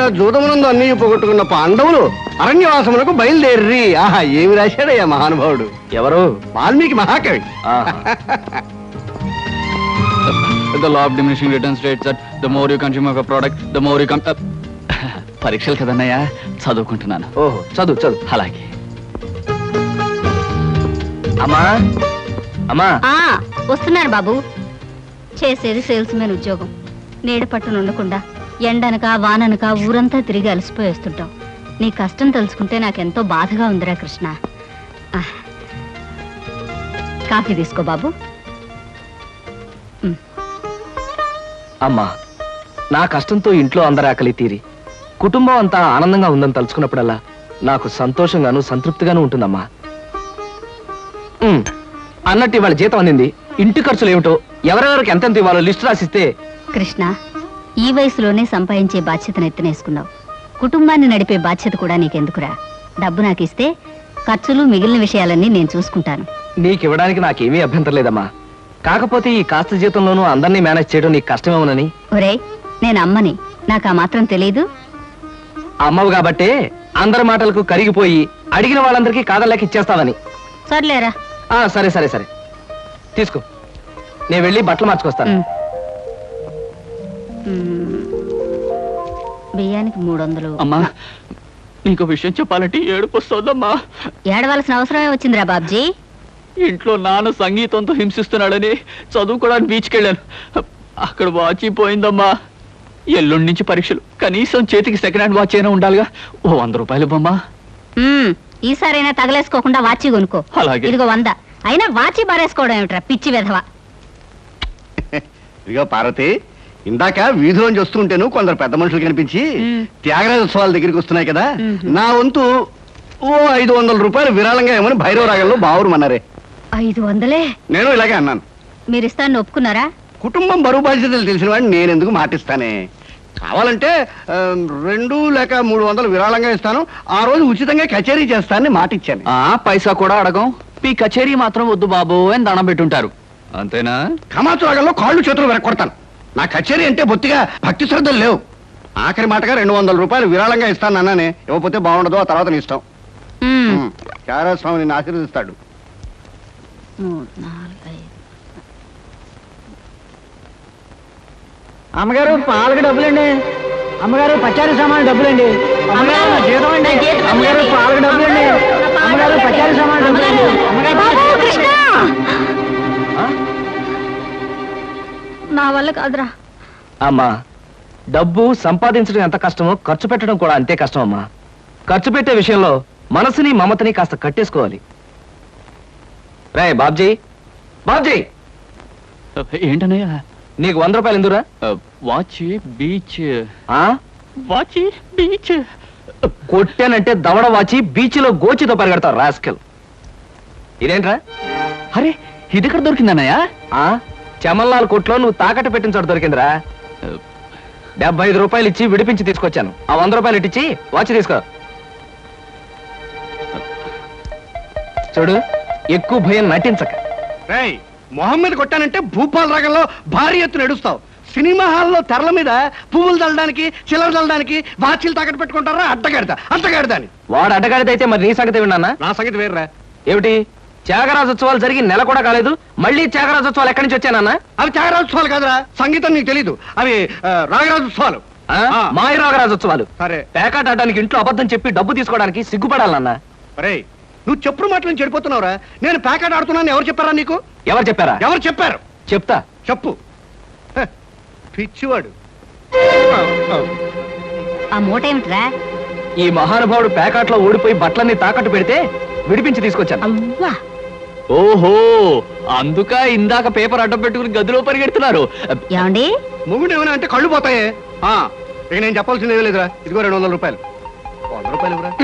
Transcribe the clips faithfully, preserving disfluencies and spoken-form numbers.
జూదమునందు అన్ని పోగొట్టుకున్న పాండవులు అరణ్యవాసములకు బయలుదేర్రి. ఆహా, ఏమి రాశాడయ్యా మహానుభావుడు. ఎవరు? వాల్మీకి మహాకవి. The law of diminishing returns states that the more you consume of a product, the more you come. పరీక్షలు కదన్నయ్యా, చదువుకుంటున్నాను. ఓహో, చదువు చదువు. అలాగే. అమ్మా అమ్మా వస్తున్నాను బాబు. చేసేది సేల్స్ మెన్ ఉద్యోగం. నీడ పట్టున ఉండకుండా ఎండనక వాననక ఊరంతా తిరిగి అలసిపోయి వస్తుంటాం. నీ కష్టం తెలుసుకుంటే నాకెంతో బాధగా ఉందిరా కృష్ణ. కాఫీ తీసుకో బాబు. అమ్మా, నా కష్టంతో ఇంట్లో అందరి ఆకలి తీరి కుటుంబం అంతా ఆనందంగా ఉందని తలుచుకున్నప్పుడల్లా నాకు సంతోషంగాను సంతృప్తిగాను ఉంటుందమ్మా. అన్నట్టు ఇవాళ జీతం అందింది. ఇంటి ఖర్చులు ఏమిటో, ఎవరెవరికి ఎంతెంత ఇవ్వాలో లిస్టు రాసిస్తే. కృష్ణ, ఈ వయసులోనే సంపాదించే బాధ్యతను ఎత్తనేసుకున్నావు. కుటుంబాన్ని నడిపే బాధ్యత కూడా నీకెందుకురా? డబ్బు నాకు ఇస్తే ఖర్చులు మిగిలిన విషయాలన్నీ నేను చూసుకుంటాను. నీకివ్వడానికి నాకేమీ అభ్యంతరం లేదమ్మా. కాకపోతే ఈ కాస్త జీతంలోనూ అందరినీ మేనేజ్ చేయడం నీకు కష్టమేమోనని. ఒరే, నేను అమ్మని, నాకు ఆ మాత్రం తెలీదు. అమ్మవు కాబట్టే అందరి మాటలకు కరిగిపోయి అడిగిన వాళ్ళందరికీ కాదలేక ఇచ్చేస్తావని. సర్లేరా. సరే సరే సరే తీసుకో, నేను వెళ్ళి బట్టలు మార్చుకొస్తాను. బియ్యానికి మూడు వందలు. అమ్మా, నీకు విషయం చెప్పాలంటే ఏడుపు వస్తుందమ్మా. ఏడవలసిన అవసరమే వచ్చిందిరా బాబ్జీ. ఇంట్లో నాన్న సంగీతంతో హింసిస్తున్నాడని చదువుకోవడానికి బీచ్కి వెళ్ళాను. అక్కడ వాచ్ పోయిందమ్మా. ఎల్లుండి నుంచి పరీక్షలు, కనీసం చేతికి సెకండ్ హ్యాండ్ వాచ్ అయినా ఉండాలిగా. ఓ వంద రూపాయలు బొమ్మా. ఈసారైనా తగలేసుకోకుండా వాచి కొనుక్కో. అలాగే. ఇదిగో వంద. అయినా వాచి బారేసుకోవడం ఏమిట్రా పిచ్చి వెధవ. ఇదిగో పార్వతి, ఇందాక వీధిలోంచి వస్తుంటేను కొందరు పెద్ద మనుషులు కనిపించి త్యాగరాజోత్సవాల దగ్గరికి వస్తున్నాయి కదా, నా వంతు ఓ ఐదు వందల రూపాయలు విరాళంగా ఏమని భైరవ రాగంలో బావురమన్నారే. ఐదు వందలే? నేను ఇలాగే అన్నాను. మీరు ఇస్తాను ఒప్పుకున్నారా? కుటుంబం బరువు బాధ్యతలు తెలిసిన వాడిని నేనెందుకు మాటిస్తానే. కావాలంటే రెండు లేక మూడు వందలు విరాళంగా ఇస్తాను, ఆ రోజు ఉచితంగా కచేరీ చేస్తానని మాట ఇచ్చాను. పైసా కూడా అడగం, మీ కచేరీ మాత్రం వద్దు బాబు అని దండం పెట్టుంటారు. అంతేనా? కమాతు రాగంలో కాళ్ళు చేతులు వెరకొడతాను. నా కచేరీ అంటే బొత్తిగా భక్తి శ్రద్ధలు లేవు. ఆఖరి మాటగా రెండు వందల రూపాయలు విరాళంగా ఇస్తాను అన్నానే. ఇవ్వకపోతే బాగుండదు, ఆ తర్వాత నీ ఇష్టం. చారాస్వామి నిన్ను ఆశీర్వదిస్తాడు. అమ్మగారు పాలకు డబ్బులండి. అమ్మగారు పచారీ సామాన్ డబ్బులండి. అమ్మగారు నా జీతం అండి. అమ్మగారు పాలకు డబ్బులండి. అమ్మగారు పచారీ సామాన్ డబ్బులండి. నా వల్ల కాదురా. అమ్మా, డబ్బు సంపాదించడం ఎంత కష్టమో ఖర్చు పెట్టడం కూడా అంతే కష్టం అమ్మా. ఖర్చు పెట్టే విషయంలో మనసుని మమతని కాస్త కట్టేసుకోవాలి. రే బాబ్జీ, బాబ్జీ ఏంటన్నయ్యా? నీకు వంద రూపాయలు ఎందురా? వాచ్ బీచ్. వాచ్ బీచ్ కొట్టానంటే దవడ వాచి బీచ్ లో గోచితో పరిగెడతావు రాస్కెల్. ఇదేంట్రా? అరే, ఇది ఎక్కడ దొరికిందన్నయ్యా? చమల్లాల్ కొట్లో నువ్వు తాకట్టు పెట్టిన చోట దొరికిందిరా. డెబ్బై ఐదు రూపాయలు ఇచ్చి విడిపించి తీసుకొచ్చాను. ఆ వంద రూపాయలు ఇట్టించి వాచ్ తీసుకో. చూడు, ఎక్కువ భయం నటించక. రేయ్, మొహమ్మద్ కొట్టానంటే భూపాల్ రాగంలో భారీ ఎత్తున ఎడుస్తావు. సినిమా హాల్లో తెరల మీద పువ్వులు చల్లడానికి, చిల్లర చల్లడానికి వాచీలు తాకట్టు పెట్టుకుంటారా? అడ్డగాడిదా అడ్డగాడిదా అని. వాడు అడ్డగాడిదైతే మరి నీ సంగతి విన్నా? నా సంగతి వేర్రా. ఏమిటి? త్యాగరాజోత్సవాలు జరిగి నెల కూడా కాలేదు, మళ్ళీ త్యాగరాజోత్సవాలు ఎక్కడి నుంచి వచ్చానన్నా? అవి త్యాగరాజోత్సవాలు కాదురా, సంగీతం నీకు తెలీదు. అవి రాగరాజోత్సవాలు. మాయ రాగరాజోత్సవాలు. సరే, పేకాట ఆడడానికి ఇంట్లో అబద్ధం చెప్పి డబ్బు తీసుకోవడానికి సిగ్గుపడాలన్నా? అరే, నువ్వు చెప్పుడు మాటలను చెడిపోతున్నావురా. నేను పేకాట ఆడుతున్నాను ఎవరు చెప్పారా నీకు? ఎవరు చెప్పారా? ఎవరు చెప్పారు? చెప్తా, చెప్పు. పిచ్చివాడు. ఆ మూట ఏమిట్రా? ఈ మహానుభావుడు పేకాట్లో ఓడిపోయి బట్టలన్నీ తాకట్టు పెడితే విడిపించి తీసుకొచ్చాను. ఓహో, అందుక ఇందాక పేపర్ అడ్డం పెట్టుకుని గదిలో పరిగెడుతున్నారు. ఏమండి, మొగుడు ఏమైనా అంటే కళ్ళు పోతాయే. ఇక నేను చెప్పాల్సింది ఏమీ లేదురా. ఇదిగో రెండు వందల రూపాయలు. వంద రూపాయలు ఇవ్వరా.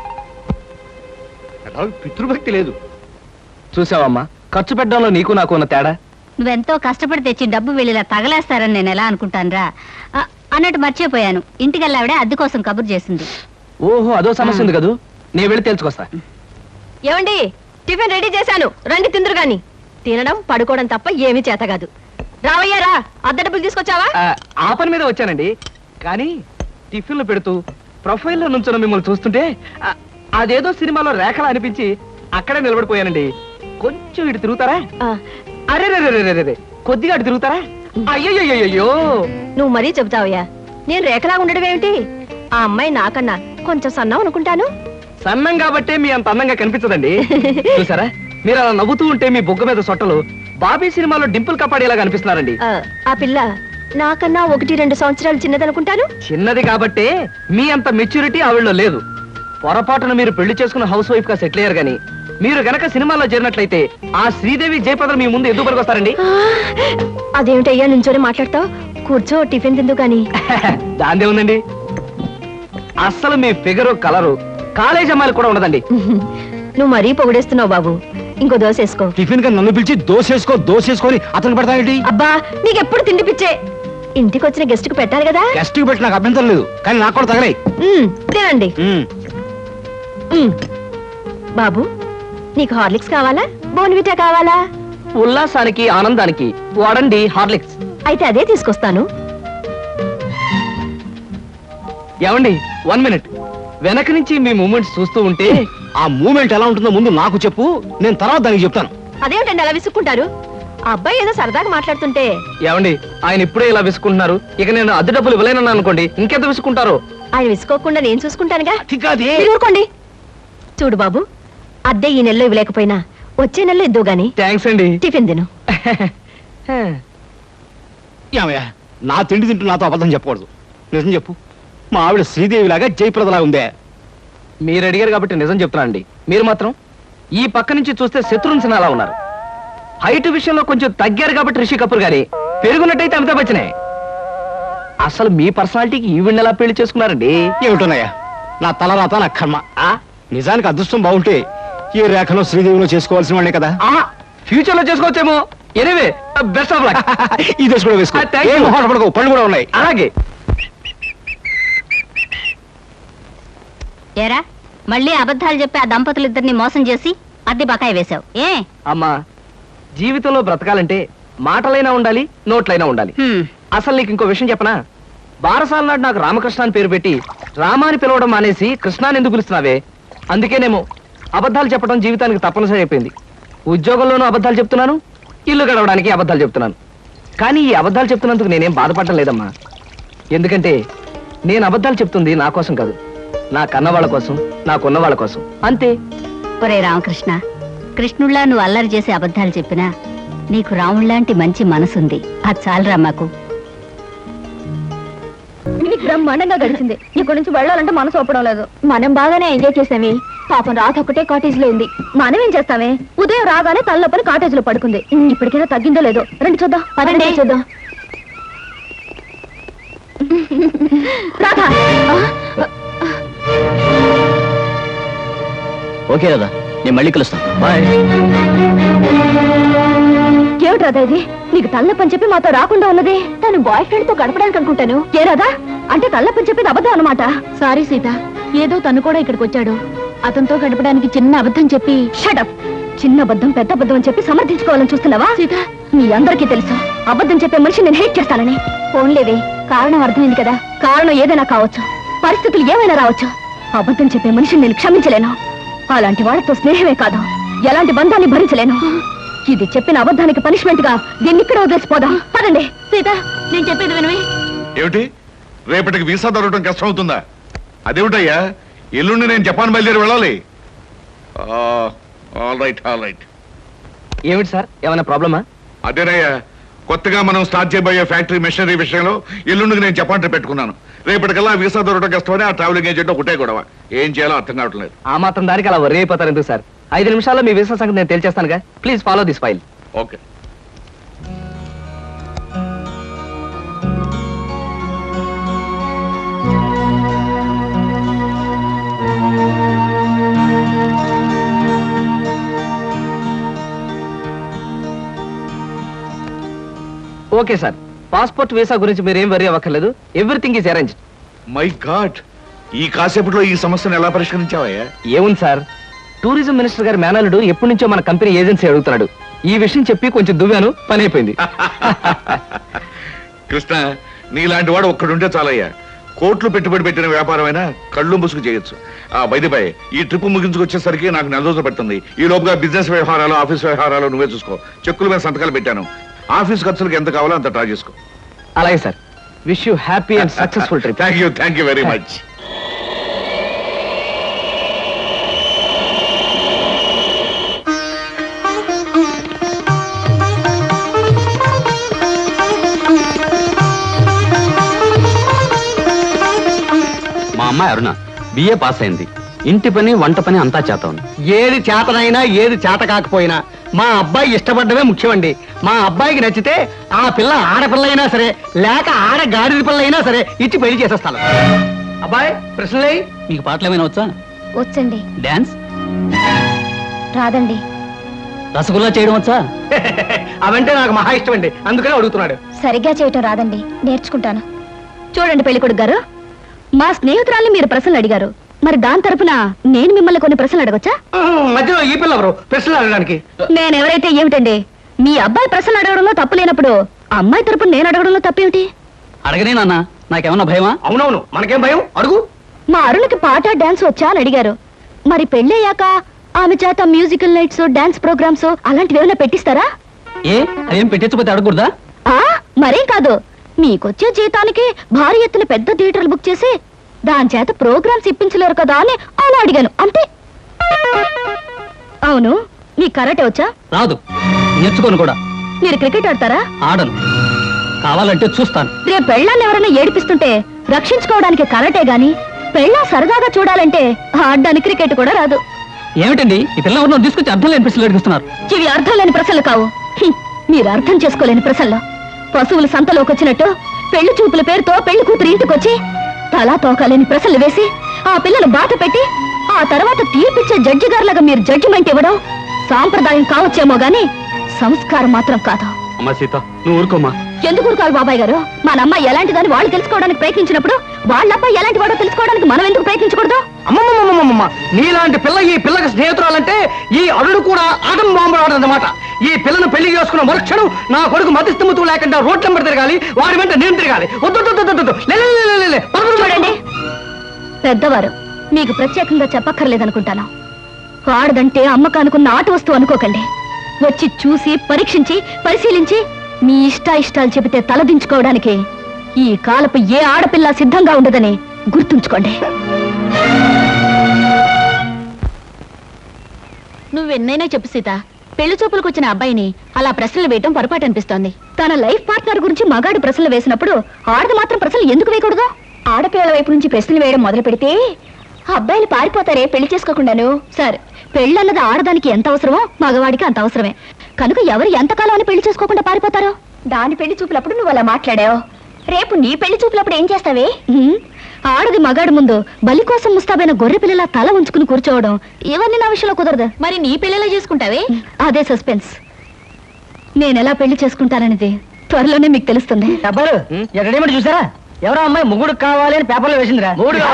పితృభక్తి లేదు. చూసావమ్మా, ఖర్చు పెట్టడంలో నీకు నాకు ఉన్న తేడా. నువ్వెంతో కష్టపడి తెచ్చి డబ్బు వెళ్ళిలా తగలేస్తారని నేను ఎలా అనుకుంటానురా. అన్నట్టు మర్చిపోయాను, ఇంటికెళ్ళావిడే అద్దె కోసం కబురు చేసింది. ఓహో, అదో సమస్య ఉంది కదూ. నేను వెళ్ళి తెలుసుకొస్తా. ఏమండి, టిఫిన్ రెడీ చేశాను, రండి తిందురు గాని. తినడం పడుకోవడం తప్ప ఏమీ చేత కాదు. రావయ్యారా, అద్దె డబ్బులు తీసుకొచ్చావా? ఆ పని మీద వచ్చానండి. కానీ టిఫిన్లు పెడుతూ ప్రొఫైల్లో నుంచున్న మిమ్మల్ని చూస్తుంటే ఆ, అదేదో సినిమాలో రేఖలా అనిపించి అక్కడే నిలబడిపోయానండి. కొంచెం ఇటు తిరుగుతారా? ఆ, అరే రే రే రే రే కొద్దిగా అటు తిరుగుతారా? అయ్యయ్యో నువ్వు మరీ చెబుతావయ్యా. నేను రేఖలాగా ఉండడం ఏమిటి? ఆ అమ్మాయి నాకన్నా కొంచెం సన్నం అనుకుంటాను. సన్నం కాబట్టే మీ అంత అందంగా కనిపించదండి. చూసారా, మీరు అలా నవ్వుతూ ఉంటే మీ బొగ్గ మీద సొట్టలు బాబీ సినిమాలో డింపుల్ కపాడేలాగా అనిపిస్తున్నారండి. ఆ, ఆ పిల్ల నాకన్నా ఒకటి రెండు సంవత్సరాలు చిన్నదనుకుంటాను. చిన్నది కాబట్టే మీ అంత మెచ్యూరిటీ ఆవిడలో లేదు. పొరపాటున మీరు పెళ్లి చేసుకున్న హౌస్ వైఫ్ గా సెటిల్ అయ్యారు గాని మీరు గనక సినిమాలో చేరినట్లయితే ఆ శ్రీదేవి జయప్రద మీ ముందు ఎందుకు పనికొస్తారండి? ఆ, అదేమిటయ్యా నుంచోనే మాట్లాడతావు? కూర్చో, టిఫిన్ తిందు గాని. దాందే ఉందండి. అస్సలు మీ ఫిగరు కలరు కాలేజ్ అమ్మాయిలు కూడా ఉండదండి. నువ్వు మరీ పొగిడేస్తున్నావు బాబు. ఇంకో దోశ వేసుకో. టిఫిన్ గా నన్ను పిలిచి దోసేసుకో దోసేసుకొని అతను పెడతానండి. అబ్బా, నీకెప్పుడు తిండి పిచ్చే. ఇంటికి వచ్చిన గెస్ట్ కు పెట్టాలి కదా. గెస్ట్ కి పెట్టి నాకు అభ్యంతరం లేదు, కానీ నాకు కూడా తగలే. ఉమ్, తినండి. ఉమ్. బాబు, నీకు హార్లిక్స్ కావాలా, బోన్విటా కావాలా? ఉల్లాసానికి ఆనందానికి వాడండి హార్లిక్స్. అయితే అదే తీసుకొస్తాను. ఏమండి, వన్ మినిట్. వెనక నుంచి మీ మూమెంట్స్ చూస్తూ ఉంటే ఆ మూమెంట్ ఎలా ఉంటుందో ముందు నాకు చెప్పు, నేను తర్వాత దానికి చెప్తాను. అదేమిటండి అలా విసుక్కుంటారు? ఆ అబ్బాయి ఏదో సరదాగా మాట్లాడుతుంటే. ఏమండి, ఆయన ఇప్పుడే ఇలా విసుకుంటున్నారు. ఇక నేను అద్దె డబ్బులు ఇవ్వలేనన్నా అనుకోండి, ఇంకెంత విసుకుంటారో. ఆయన విసుకోకుండా నేను చూసుకుంటానుగా. అది కాదే. మీరు ఊరుకోండి. చూడు బాబు, అద్దె ఈ నెలలో ఇవ్వలేకపోయినా వచ్చే నెలలో ఇద్దు గాని థ్యాంక్స్ అండి. టిఫిన్ తిను. ఏమయ్యా, నా తిండి తింటూ నాతో అబద్ధం చెప్పకూడదు. నిజం చెప్పు, మా ఆవిడ శ్రీదేవిలాగా జయప్రదలా ఉందే? మీరు అడిగారు కాబట్టి నిజం చెప్తున్నానండి. మీరు మాత్రం ఈ పక్క నుంచి చూస్తే శత్రుఘ్న సిన్హా అలా ఉన్నారు. హైట్ విషయంలో కొంచెం తగ్గారు కాబట్టి రిషి కపూర్ గారి, పెరుగున్నట్టయితే అమితాబ్ బచ్చనే. అసలు మీ పర్సనాలిటీకి ఈవిడ్ని ఎలా పెళ్లి చేసుకున్నారండి? ఏమిటోనయ్యా, నా తలరాత నా కర్మ. ఆ నిజానికి అదృష్టం బాగుంటే ఈ రేఖలో శ్రీదేవిలో చేసుకోవాల్సిన వాళ్ళే కదా. ఫ్యూచర్ లో చేసుకోవచ్చేమో. Anyway, best of luck. ఈ దశ కూడా వేసుకో. Ah, thank you. ఏం మొహాట పడకు, పళ్ళు కూడా ఉన్నాయి. అలాగే. ఏరా, మళ్ళీ అబద్ధాలు చెప్పి ఆ దంపతులిద్దరిని మోసం చేసి అద్దె బకాయి వేశావు ఏ? అమ్మా, జీవితంలో బ్రతకాలంటే మాటలైనా ఉండాలి, నోట్లైనా ఉండాలి. హ్మ్. అసలు నీకు ఇంకో విషయం చెప్పనా? బారసాల నాడు నాకు రామకృష్ణ అని పేరు పెట్టి రామాని పిలవడం మానేసి కృష్ణాని ఎందుకు పిలుస్తున్నావే? అందుకేనేమో అబద్ధాలు చెప్పడం జీవితానికి తప్పనిసరి అయిపోయింది. ఉద్యోగంలోనూ అబద్ధాలు చెప్తున్నాను, ఇల్లు గడవడానికి అబద్ధాలు చెప్తున్నాను. కానీ ఈ అబద్ధాలు చెప్తున్నందుకు నేనేం బాధపడటం లేదమ్మా. ఎందుకంటే నేను అబద్ధాలు చెప్తుంది నా కోసం కాదు, నా కన్న వాళ్ళ కోసం, నాకున్న వాళ్ళ కోసం, అంతే. ఒరే రామకృష్ణ, కృష్ణుళ్ళ నువ్వు అల్లరి చేసి అబద్ధాలు చెప్పినా నీకు రాముళ్లాంటి మంచి మనసుంది. అది చాలరా మాకు. బ్రహ్మాండంగా గడిచింది. ఇక్కడ నుంచి వెళ్ళాలంటే మనసు ఒప్పడం లేదు. మనం బాగానే ఎంజాయ్ చేసామే. పాపం రాత ఒకటే కాటేజ్ లో ఉంది. మనం ఏం చేస్తామే? ఉదయం రాగానే తలనొప్పని కాటేజ్ లో పడుకుంది. ఇప్పటికైనా తగ్గిందో లేదో రండి చూద్దాం. పదండి చూద్దాం. రాధా, ఓకే కదా, నేను మళ్ళీ కలుస్తాను. బాయ్. ఏమిటి రాధా ఇది? నీకు తలనొప్పని చెప్పి మాతో రాకుండా ఉన్నది తను బాయ్ ఫ్రెండ్ తో గడపడానికి అనుకుంటాను. ఏ రాధా, అంటే తలనొప్పని చెప్పేది అబద్ధం అన్నమాట. సారీ సీత, ఏదో తను కూడా ఇక్కడికి వచ్చాడు. అతనితో గడపడానికి చిన్న అబద్ధం చెప్పి. షటప్. చిన్న అబద్ధం పెద్ద అబద్ధం అని చెప్పి సమర్థించుకోవాలని చూస్తున్నావా? సీత, మీ అందరికీ తెలుసు అబద్ధం చెప్పే మనిషి నేను హేట్ చేస్తానని. ఫోన్లేవే, కారణం అర్థమైంది కదా. కారణం ఏదైనా కావచ్చు, పరిస్థితులు ఏమైనా రావచ్చు. అబద్ధం చెప్పే మనిషిని నేను క్షమించలేను. అలాంటి వాళ్ళతో స్నేహమే కాదు, ఎలాంటి బంధాన్ని భరించలేను. ఇది చెప్పిన అబద్ధానికి పనిష్మెంట్ గా దీన్ని ఇక్కడ వదిలేసిపోదాం. పదండి. సీత, నేను చెప్పేది వినవి. ఏమిటి, రేపటికి వీసా దొరకడం కష్టం అవుతుందా? అదేమిటయ్యా, ఎల్లుండి నేను జపాన్ బయలుదేరి వెళ్ళాలి. All right all right. ఏమిటి సార్, ఏమైనా ప్రాబ్లమా? అదేనయ్యా, కొత్తగా మనం స్టార్ట్ చేయబోయే ఫ్యాక్టరీ మెషినరీ విషయంలో ఎల్లుండికి నేను జపాన్ ట్రిప్ పెట్టుకున్నాను. రేపటికల్లా వీసా దొరకడం కష్టమని ఆ ట్రావెలింగ్ ఏజెంట్ ఒకటే గొడవ. ఏం చేయాలో అర్థం కావట్లేదు. ఆ మాత్రం దానికి అలా వర్రీ అయిపోతారు ఎందుకు సార్? ఐదు నిమిషాల్లో మీ వీసా సంగతి నేను తేల్చేస్తానుగా. Please follow this file. Okay. Okay sir, passport visa గురించి మీరేం వరీ అవ్వక్కర్లేదు. Everything is arrange. My god, ఈ కాసేపట్లో ఈ సమస్యను ఎలా పరిష్కరించావయ్యా? ఏముంది సార్, టూరిజం మినిస్టర్ గారి మేనల్లుడు ఎప్పటి నుంచో మన కంపెనీ ఏజెన్సీ అడుగుతున్నాడు. ఈ విషయం చెప్పి కొంచెం దువ్వాను, పని అయిపోయింది. కృష్ణ, నీలాంటి వాడు ఒక్కడుంటే చాలయ్యా. కోట్లు పెట్టుబడి పెట్టిన వ్యాపారమైనా కళ్ళు ముసుగు చేయొచ్చు. ఆ బయటపై ఈ ట్రిప్ ముగించుకొచ్చేసరికి నాకు నెల రోజులు పడుతుంది. ఈ లోపుగా బిజినెస్ వ్యవహారాలు, ఆఫీస్ వ్యవహారాలు నువ్వే చూసుకో. చెక్కుల మీద సంతకాలు పెట్టాను. ఆఫీస్ ఖర్చులకు ఎంత కావాలో అంత ట్రా చేసుకో. అలాగే sir. Wish you happy and successful trip. Thank you thank you very much. మా అమ్మాయి అరుణ బిఏ పాస్ అయింది. ఇంటి పని వంట పని అంతా చేత ఉంది. ఏది చేతనైనా ఏది చేత కాకపోయినా మా అబ్బాయి ఇష్టపడ్డమే ముఖ్యమండి. మా అబ్బాయికి నచ్చితే ఆ పిల్ల ఆడపిల్ల అయినా సరే, లేక ఆడ గాడిద పిల్ల అయినా సరే ఇచ్చి పెళ్లి చేసేస్తాను. అబ్బాయి ప్రశ్నలే. మీకు పాటలు ఏమైనా వచ్చా? వచ్చండి. డాన్స్? రాదండి. రసగుల్లా చేయడం వచ్చా? అవంటే నాకు మహా ఇష్టం అండి, అందుకనే అడుగుతున్నాడు. సరిగ్గా చేయటం రాదండి, నేర్చుకుంటాను. చూడండి పెళ్ళికొడుకు గారు, మా స్నేహితురాల్ని మీరు ప్రశ్నలు అడిగారు, మరి దాని తరపున నేను మిమ్మల్ని కొన్ని ప్రశ్నలు అడగొచ్చా? మధ్యలో ఈ పిల్ల ఎవరు ప్రశ్నలు అడగడానికి? నేనెవరైతే ఏమిటండి? మీ అబ్బాయి ప్రశ్నలు అడగడంలో తప్పు లేనప్పుడు అమ్మాయి తరపున నేను అడగడంలో తప్పేమిటి? అడగనే నాన్న, నాకేమన్నా భయమా? అవునవును, మనకేం భయం, అడుగు. మా అరుణకి పాట డాన్స్ వచ్చా అని అడిగారు. మరి పెళ్ళయ్యాక ఆమె చేత మ్యూజికల్ నైట్స్, డాన్స్ ప్రోగ్రామ్స్ అలాంటివి ఏమైనా పెట్టిస్తారా? ఏ అదేం పెట్టించకపోతే అడగకూడదా? ఆ మరేం కాదు, మీకొచ్చే జీతానికి భారీ ఎత్తున పెద్ద థియేటర్లు బుక్ చేసి దాని చేత ప్రోగ్రామ్స్ ఇప్పించలేరు కదా అని అలా అడిగాను అంతే. అవును, మీకు కరాటే వచ్చా? రాదు, నేర్చుకోను కూడా. మీరు క్రికెట్ ఆడతారా? ఆడను, కావాలంటే చూస్తాను. రేపు పెళ్ళాన్ని ఎవరైనా ఏడిపిస్తుంటే రక్షించుకోవడానికి కరాటే గాని, పెళ్ళా సరదాగా చూడాలంటే ఆడడానికి క్రికెట్ కూడా రాదు. ఏమిటండి ఈ పిల్ల ఎవరినో తీసుకొచ్చి అర్థం లేని ప్రశ్నలు అడిగిస్తున్నారు? ఇవి అర్థం లేని ప్రశ్నలు కావు, హ్మ్, మీరు అర్థం చేసుకోలేని ప్రశ్నలు. పశువులు సంతలోకి వచ్చినట్టు పెళ్లి చూపుల పేరుతో పెళ్లి కూతురు ఇంటికొచ్చి తలా తోకాలేని ప్రశ్నలు వేసి ఆ పిల్లలు బాధ పెట్టి ఆ తర్వాత తీర్పిచ్చే జడ్జి గారులాగా మీరు జడ్జిమెంట్ ఇవ్వడం సాంప్రదాయం కావచ్చేమో గాని సంస్కారం మాత్రం కాదు. అమ్మా సీత, నువ్వు ఊరుకోమా. ఎందుకు ఊరుకోవాలి బాబాయ్ గారు? మన అమ్మాయి ఎలాంటిదని వాళ్ళు తెలుసుకోవడానికి ప్రయత్నించినప్పుడు వాళ్ళ అబ్బాయి ఎలాంటి వాడో తెలుసుకోవడానికి మనం ఎందుకు ప్రయత్నించకూడదు? అమ్మమ్మమ్మమ్మమ్మ, నీలాంటి పిల్ల ఈ పిల్లకి స్నేహితురాలంటే ఈ అడుగు కూడా ఆటం బాంబు ఆడదన్నమాట. ఈ పిల్లను పెళ్లి చేసుకున్న మరుక్షణం నా కొడుకు మతిస్థిమతు లేకుండా రోడ్ నెంబర్ తిరగాలి, వాడి వెంట నేను తిరగాలి. వద్దు వద్దు, వద్దు, వద్దు. లే, లే, లే, లే, లే. పద, పద, పద. చూడండి పెద్దవారు, మీకు ప్రత్యేకంగా చెప్పక్కర్లేదనుకుంటాను. ఆడదంటే అమ్మకానుకున్న ఆట వస్తువు అనుకోకండి. వచ్చి చూసి పరీక్షించి పరిశీలించి మీ ఇష్ట ఇష్టాలు చెబితే తలదించుకోవడానికి ఈ కాలపు ఏ ఆడపిల్ల సిద్ధంగా ఉండదని గుర్తుంచుకోండి. నువ్వెన్నైనా చెప్పు సీత, పెళ్లి చూపులకు వచ్చిన అబ్బాయిని అలా ప్రశ్నలు వేయటం పొరపాటు అనిపిస్తోంది. తన లైఫ్ పార్ట్నర్ గురించి మగాడు ప్రశ్నలు వేసినప్పుడు ఆడది మాత్రం ప్రశ్నలు ఎందుకు వేయకూడదు? ఆడపిల్లల వైపు నుంచి ప్రశ్నలు వేయడం మొదలు పెడితే అబ్బాయిలు పారిపోతారే పెళ్లి చేసుకోకుండాను. సరే, పెళ్ళన్నది ఆడదానికి ఎంత అవసరమో మగవాడికి అంత అవసరమే. కనుక ఎవరు ఎంతకాలం అని పెళ్లి చేసుకోకుండా పారిపోతారు? దాని పెళ్లి చూపులప్పుడు నువ్వు అలా మాట్లాడావు, రేపు నీ పెళ్లి చూపులప్పుడు ఏం చేస్తావే? ఆడది మగాడు ముందు బలి కోసం ముస్తాబైన గొర్రె పిల్లల తల ఉంచుకుని కూర్చోవడం ఇవన్నీ నా విషయంలో కుదరదు. మరి నీ పెళ్లిలా చేసుకుంటావే? అదే సస్పెన్స్. నేనెలా పెళ్లి చేసుకుంటాననేది త్వరలోనే మీకు తెలుస్తుంది. డబ్బులు ఎక్కడేమిటి చూసారా? ఎవరో అమ్మాయి ముగ్గురు కావాలి అని పేపర్లో వేసిందిరా.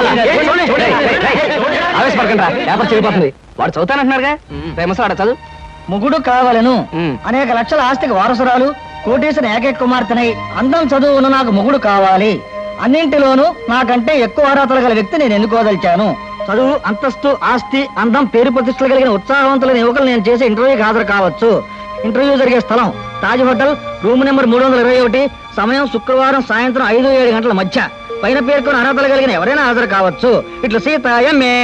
ఆవేశపడకండి, పేపర్ చెడిపోతుంది. వాడు చదువుతానంటున్నారుగా, ఫేమస్ ఆడ చదువు. ముగ్గుడు కావాలను మ్. అనేక లక్షల ఆస్తికి వారసురాలు, కోటేశ్వర ఏకైక కుమార్తెనై అందం చదువు ఉన్న నాకు మొగుడు కావాలి. అన్నింటిలోనూ నాకంటే ఎక్కువ అర్హతలు గల వ్యక్తి నేను ఎన్నుకోదలిచాను. చదువు, అంతస్తు, ఆస్తి, అందం, పేరు ప్రతిష్టలు కలిగిన ఉత్సాహవంతులైన యువకులు నేను చేసే ఇంటర్వ్యూకి హాజరు కావచ్చు. ఇంటర్వ్యూ జరిగే స్థలం తాజ్ హోటల్, రూమ్ నెంబర్ మూడు వందల ఇరవై ఒకటి, సమయం శుక్రవారం సాయంత్రం ఐదు ఏడు గంటల మధ్య. పైన పేర్కొన్న అర్హతలు కలిగిన ఎవరైనా హాజరు కావచ్చు. ఇట్లా సీత ఎంఏ.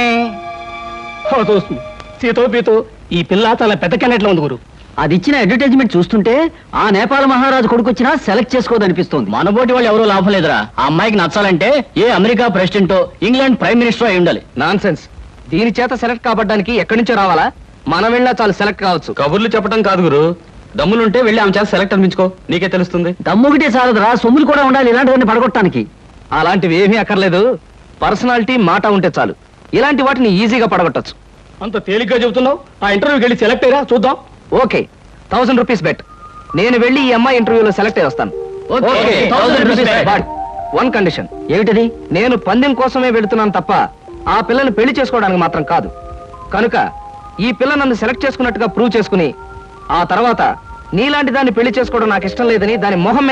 సీతో పీతో ఈ పిల్ల చాలా పెద్ద కెనెట్లో ఉంది గురు. అది ఇచ్చిన అడ్వర్టైజ్మెంట్ చూస్తుంటే ఆ నేపాల్ మహారాజు కొడుకొచ్చినా సెలెక్ట్ చేసుకోదనిపిస్తుంది. మనబోటి వాళ్ళు ఎవరూ లాభం లేదురా. ఆ అమ్మాయికి నచ్చాలంటే ఏ అమెరికా ప్రెసిడెంటో ఇంగ్లాండ్ ప్రైమ్ మినిస్టర్ అయి ఉండాలి. Nonsense. దీని చేత సెలెక్ట్ కాబడ్డానికి ఎక్కడి నుంచో రావాలా? మనం వెళ్ళినా చాలు సెలెక్ట్ కావచ్చు. కబుర్లు చెప్పడం కాదు గురు, దమ్ములుంటే వెళ్ళి ఆమె చేత సెలెక్ట్ అనిపించుకో, నీకే తెలుస్తుంది. దమ్ముగిటే చాలదురా, సొమ్ములు కూడా ఉండాలి ఇలాంటివన్నీ పడగొట్టడానికి. అలాంటివి ఏమీ అక్కర్లేదు, పర్సనాలిటీ మాట ఉంటే చాలు. ఇలాంటి వాటిని ఈజీగా పడగొట్టచ్చు. అంత తేలిగ్గా చెబుతున్నావు. ఆ ఇంటర్వ్యూకి వెళ్ళి సెలెక్ట్ అయ్యరా చూద్దాం. Okay, thousand rupees bet. నేను వెళ్ళి ఈ అమ్మాయి ఇంటర్వ్యూలో సెలెక్ట్ అయ్యి వస్తాను. Okay, thousand rupees bet. But one condition. ఏమిటది? నేను పందెం కోసమే వెళుతున్నాను తప్ప ఆ పిల్లని పెళ్లి చేసుకోవడానికి మాత్రం కాదు. కనుక ఈ పిల్ల నన్ను సెలెక్ట్ చేసుకున్నట్టుగా ప్రూవ్ చేసుకుని ఆ తర్వాత నీలాంటి దాన్ని పెళ్లి చేసుకోవడం నాకు ఇష్టం లేదని దాని మొహం మీద